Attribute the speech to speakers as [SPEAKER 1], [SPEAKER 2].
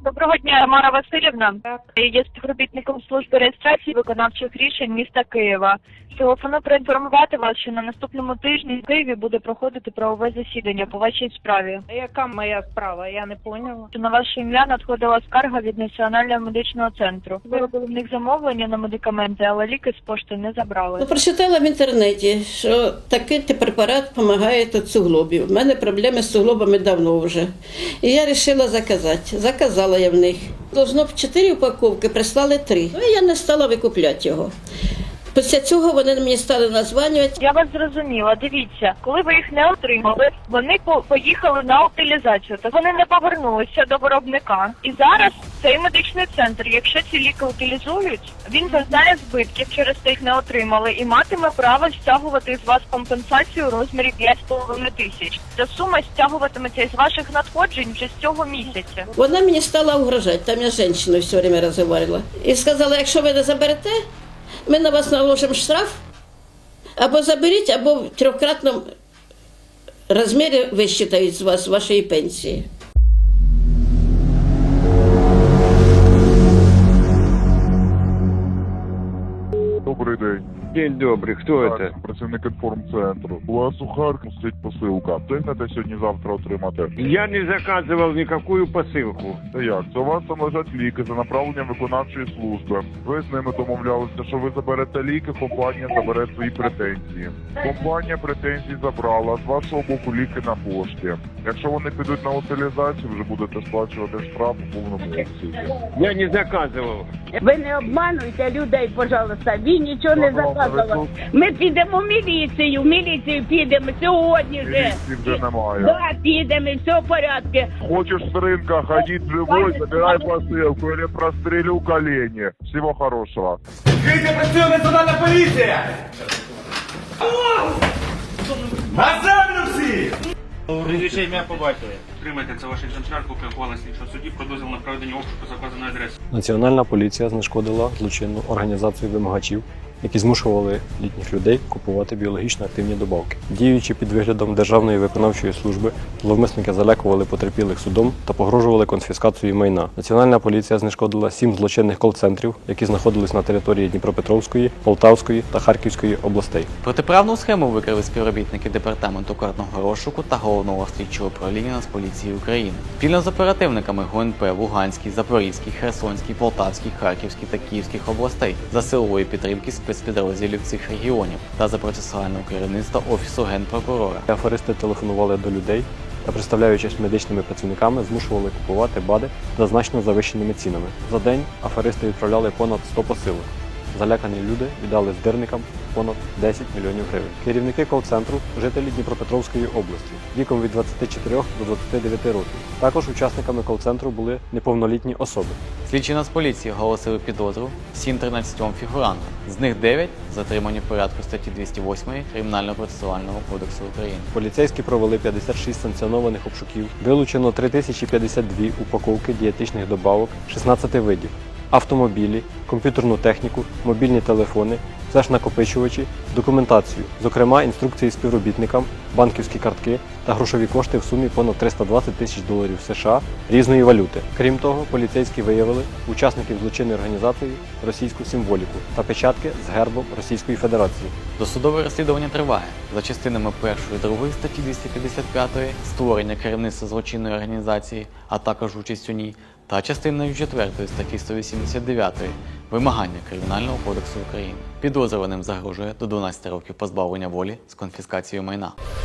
[SPEAKER 1] Доброго дня, Тамара Васильівна.
[SPEAKER 2] Так.
[SPEAKER 1] Я є співробітником служби реєстрації виконавчих рішень міста Києва. Телефоную проінформувати вас, що на наступному тижні в Києві буде проходити правове засідання по вашій справі.
[SPEAKER 2] Яка моя справа? Я не поняла.
[SPEAKER 1] На ваше ім'я надходила скарга від Національного медичного центру. Ви робили в них замовлення на медикаменти, але ліки з пошти не забрали.
[SPEAKER 3] Прочитала в інтернеті, що такий препарат допомагає від суглобів. У мене проблеми з суглобами давно вже. І я вирішила заказати. Заказала я в них. Должно б 4 упаковки, прислали 3. Ну і я не стала викупляти його. Після цього вони мені стали названювати.
[SPEAKER 1] Я вас зрозуміла. Дивіться, коли ви їх не отримали, вони поїхали на утилізацію, то вони не повернулися до виробника. І зараз цей медичний центр, якщо ці ліки утилізують, він зазнає збитків через те, їх не отримали, і матиме право стягувати з вас компенсацію у розмірі 5,5 тисяч. Ця сума стягуватиметься із ваших надходжень вже з цього місяця.
[SPEAKER 3] Вона мені стала угрожати, там я з жінкою все время розмовляла. І сказала, якщо ви не заберете, ми на вас наложимо штраф, або заберіть, або в 3-кратному розмірі висчитають з вас вашої пенсії.
[SPEAKER 4] Добрий день.
[SPEAKER 5] День добрый, кто
[SPEAKER 4] Так,
[SPEAKER 5] это?
[SPEAKER 4] працівник інформцентру. У вас у Харкові стоїть посилка. Встигнете сьогодні-завтра отримати?
[SPEAKER 5] Я не заказывал никакую посылку.
[SPEAKER 4] Та як? Це у вас там лежать ліки за направленням виконавчої служби. Ви з ними домовлялися, що ви заберете ліки, компанія забере свої претензії. Компанія претензії забрала, з вашого боку ліки на пошті. Якщо вони підуть на утилізацію, вже будете сплачувати штраф у повному обсязі.
[SPEAKER 5] Я не заказывал.
[SPEAKER 6] Ви не обмануйте людей, пожалуйста. Ви нічого не заказували. Ми підемо в міліцію підемо сьогодні вже.
[SPEAKER 4] Міліції вже немає.
[SPEAKER 6] Да, підемо, і все в порядку.
[SPEAKER 4] Хочешь с рынка ходить живой, забирай посылку или прострелю колени. Всего хорошего.
[SPEAKER 7] Відкрийте, працює національна поліція! На землю всі!
[SPEAKER 8] Прізвище ім'я по батькові. Отримайте це ваш екземпляр, копія ухвали слідчого судді про дозвіл на проведення обшуку за вказаної адреси.
[SPEAKER 9] Національна поліція знешкодила злочинну організацію вимагачів, які змушували літніх людей купувати біологічно активні добавки. Діючи під виглядом Державної виконавчої служби, зловмисники залякували потерпілих судом та погрожували конфіскацією майна. Національна поліція знешкодила 7 злочинних кол-центрів, які знаходились на території Дніпропетровської, Полтавської та Харківської областей.
[SPEAKER 10] Протиправну схему викрили співробітники департаменту карного розшуку та головного слідчого управління Нацполіції України. Спільно з оперативниками ГУНП в Луганській, Запорізькій, Херсонській, Полтавській, Харківській та Київських областей за силової підтримки спецпідрозділів цих регіонів та за процесуального керівництва Офісу Генпрокурора.
[SPEAKER 9] Аферисти телефонували до людей та, представляючись медичними працівниками, змушували купувати БАДи за значно завищеними цінами. За день аферисти відправляли понад 100 посилок. Залякані люди віддали здирникам понад 10 мільйонів гривень. Керівники кол-центру – жителі Дніпропетровської області, віком від 24 до 29 років. Також учасниками кол-центру були неповнолітні особи.
[SPEAKER 10] Слідчі Нацполіції оголосили підозру всім 13 фігурантам. З них 9 затримані в порядку статті 208 Кримінально-процесуального кодексу України.
[SPEAKER 9] Поліцейські провели 56 санкціонованих обшуків, вилучено 3052 упаковки дієтичних добавок 16 видів, автомобілі, комп'ютерну техніку, мобільні телефони, флеш-накопичувачі, документацію, зокрема інструкції співробітникам, банківські картки та грошові кошти в сумі понад 320 тисяч доларів США різної валюти. Крім того, поліцейські виявили учасників злочинної організації російську символіку та печатки з гербом Російської Федерації.
[SPEAKER 10] Досудове розслідування триває. За частинами 1 і 2 статті 255 створення керівництва злочинної організації, а також участь у ній, та частиною 4 статті 189 вимагання Кримінального кодексу України. Підозрюваним загрожує до 12 років позбавлення волі з конфіскацією майна.